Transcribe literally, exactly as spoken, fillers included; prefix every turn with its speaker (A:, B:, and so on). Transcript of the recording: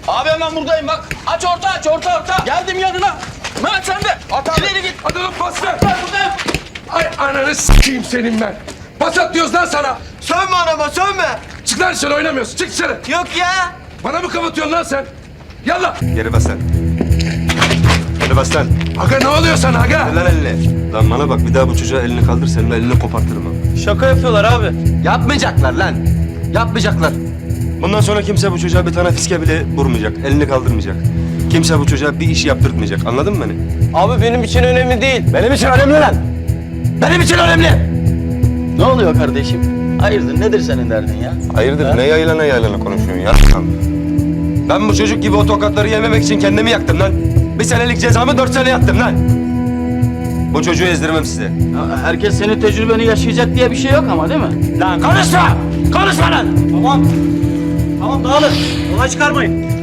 A: Abi hemen buradayım bak. Aç orta aç orta orta. Geldim yanına. Mehmet sen de.
B: At abi.
A: İleri git.
B: Hadi lan pas ver.
A: Ben buradayım.
B: Ay ananı s**eyim senin ben. Pas at diyoruz lan sana.
C: Sövme anama sövme.
B: Çık lan dışarı oynamıyorsun. Çık dışarı.
C: Yok ya.
B: Bana mı kapatıyorsun lan sen? Yallah.
D: Geri bas lan. Geri bas lan.
B: Aga ne oluyor sana aga?
D: Ver lan elini. Lan bana bak bir daha bu çocuğa elini kaldır senin elini kopartırım ha.
A: Şaka yapıyorlar abi.
D: Yapmayacaklar lan. Yapmayacaklar. Bundan sonra kimse bu çocuğa bir tane fiske bile vurmayacak. Elini kaldırmayacak. Kimse bu çocuğa bir iş yaptırtmayacak. Anladın mı beni?
A: Abi benim için önemli değil.
D: Benim için önemli lan. Benim için önemli.
E: Ne oluyor kardeşim? Hayırdır nedir senin derdin ya?
D: Hayırdır ne yaylana yaylana konuşuyorsun ya? Ben bu çocuk gibi o tokatları yememek için kendimi yaktım lan. Bir senelik cezamı dört sene yattım lan. Bu çocuğu ezdirmem size.
E: Ya herkes senin tecrübeni yaşayacak diye bir şey yok ama değil mi?
D: Lan konuşma! Konuşma lan!
E: Tamam. Tamam dağılın. Olay çıkarmayın.